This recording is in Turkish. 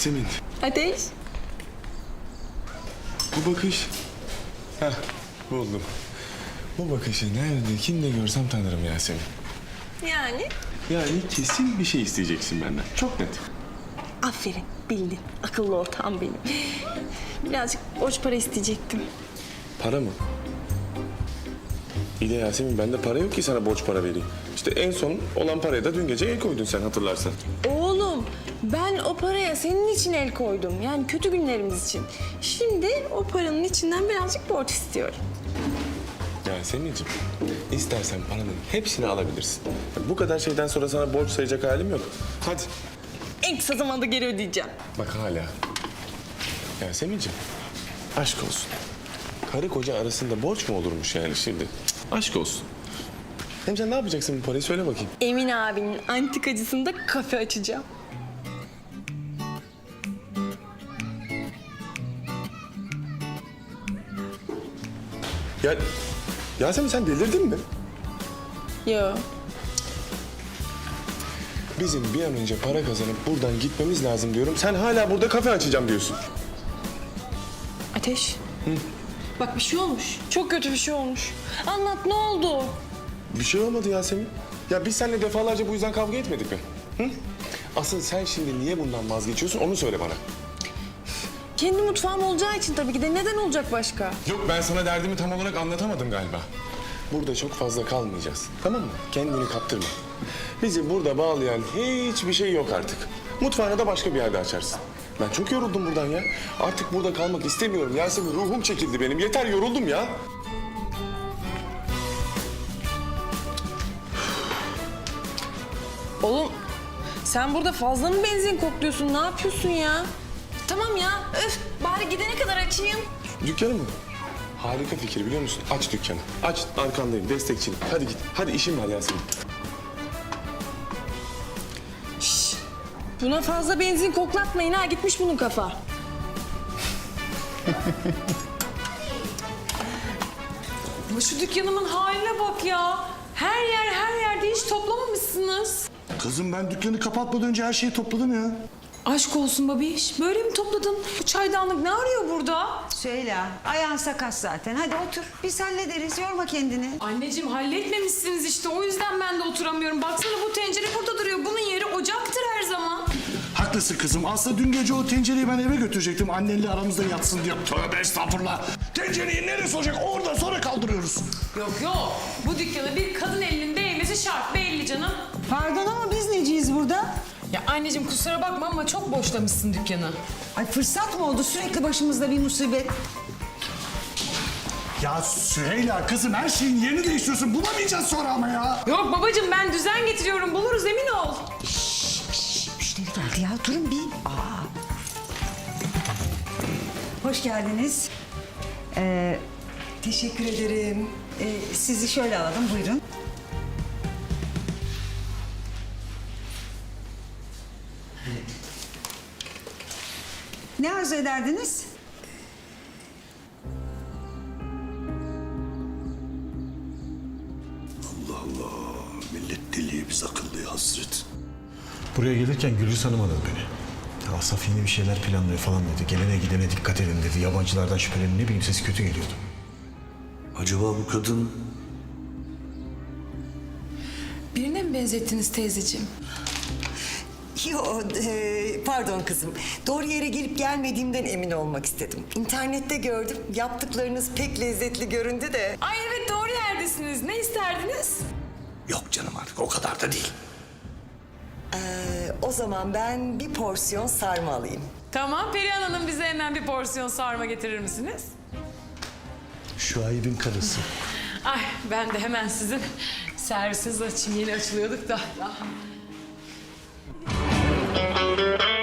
Yasemin, Ateş. bu bakış... Heh, buldum. Bu bakışı nerede, kimde görsem tanırım Yasemin. Yani? Yani kesin bir şey isteyeceksin benden. Çok net. Aferin, bildin. Akıllı ortağım benim. Birazcık borç para isteyecektim. Para mı? İyi de Yasemin, bende para yok ki sana borç para vereyim. İşte en son olan paraya da dün gece el koydun sen, hatırlarsan. Oğlum, ben o paraya senin için el koydum. Yani kötü günlerimiz için. Şimdi o paranın içinden birazcık borç istiyorum. Yasemin'ciğim, istersen paranın hepsini alabilirsin. Bu kadar şeyden sonra sana borç sayacak halim yok. Hadi. En kısa zamanda geri ödeyeceğim. Bak hala. Yasemin'ciğim, aşk olsun. Karı koca arasında borç mu olurmuş yani şimdi? Cık, aşk olsun. Hem sen ne yapacaksın bu parayı, söyle bakayım. Emin abinin antikacısında kafe açacağım. Ya Yasemin, sen delirdin mi? Yo. Bizim bir an önce para kazanıp buradan gitmemiz lazım diyorum. Sen hala burada kafe açacağım diyorsun. Ateş. Bak bir şey olmuş. Çok kötü bir şey olmuş. Anlat, ne oldu? Bir şey olmadı Yasemin. Ya biz seninle defalarca bu yüzden kavga etmedik mi? Hı? Asıl sen şimdi niye bundan vazgeçiyorsun, onu söyle bana. Kendi mutfağım olacağı için tabii ki de. Neden olacak başka? Yok, ben sana derdimi tam olarak anlatamadım galiba. Burada çok fazla kalmayacağız, tamam mı? Kendini kaptırma. Bizi burada bağlayan hiçbir şey yok artık. Mutfağını da başka bir yerde açarsın. Ben çok yoruldum buradan ya. Artık burada kalmak istemiyorum Yasemin. Ruhum çekildi benim. Yeter, yoruldum ya. Oğlum, sen burada fazla mı benzin kokluyorsun? Ne yapıyorsun ya? Tamam ya, öf. Bari gidene kadar açayım. Dükkanı mı? Harika fikir, biliyor musun? Aç dükkanı. Aç, arkandayım, destekçiyim. Hadi git. Hadi, işim var Yasemin. Buna fazla benzin koklatmayın ha. Gitmiş bunun kafa. Ama şu dükkanımın haline bak ya. Her yerde hiç toplamamışsınız. Kızım, ben dükkanı kapatmadan önce her şeyi topladım ya. Aşk olsun babiş. Böyle mi topladın? Bu çaydanlık ne arıyor burada? Süheyla, ayağın sakat zaten. Hadi otur, biz hallederiz. Yorma kendini. Anneciğim halletmemişsiniz işte. O yüzden ben de oturamıyorum. Baksana bu tencere burada duruyor. Bunun yeri ocaktır her zaman. Haklısın kızım. Aslında dün gece o tencereyi ben eve götürecektim. Annenle aramızda yatsın diye. Tövbe estağfurullah. Tencereyi neresi olacak? Orada, sonra kaldırıyoruz. Yok. Bu dükkana bir kadın elinin değmesi şart. Belli canım. Pardon ama biz neciyiz burada? Ya anneciğim kusura bakma ama çok boşlamışsın dükkanı. Ay fırsat mı oldu? Sürekli başımızda bir musibet. Ya Süheyla kızım, her şeyin yerini değiştiriyorsun. Bulamayacağız sonra ama ya. Yok babacığım ben düzen getiriyorum. Buluruz emin ol. Müşteri geldi ya, durun bir. Hoş geldiniz. Teşekkür ederim. Sizi şöyle alalım, buyurun. Ne arzu ederdiniz? Allah Allah. Millet deliye, biz akıllıya hasret. Buraya gelirken Gülüz Hanım aradı beni. Ya Asaf yeni bir şeyler planlıyor falan dedi. Gelene gidene dikkat edin dedi. Yabancılardan şüphelenin, ne bileyim, sesi kötü geliyordu. Acaba bu kadın... Birine mi benzettiniz teyzeciğim? Yo, pardon kızım. Doğru yere gelip gelmediğimden emin olmak istedim. İnternette gördüm. Yaptıklarınız pek lezzetli göründü de. Ay evet doğru yerdesiniz. Ne isterdiniz? Yok canım, artık o kadar da değil. O zaman ben bir porsiyon sarma alayım. Tamam Perihan Hanım bize hemen bir porsiyon sarma getirir misiniz? Şuayb'in karısı. Ay ben de hemen sizin servisinizi açayım. Yeni açılıyorduk da.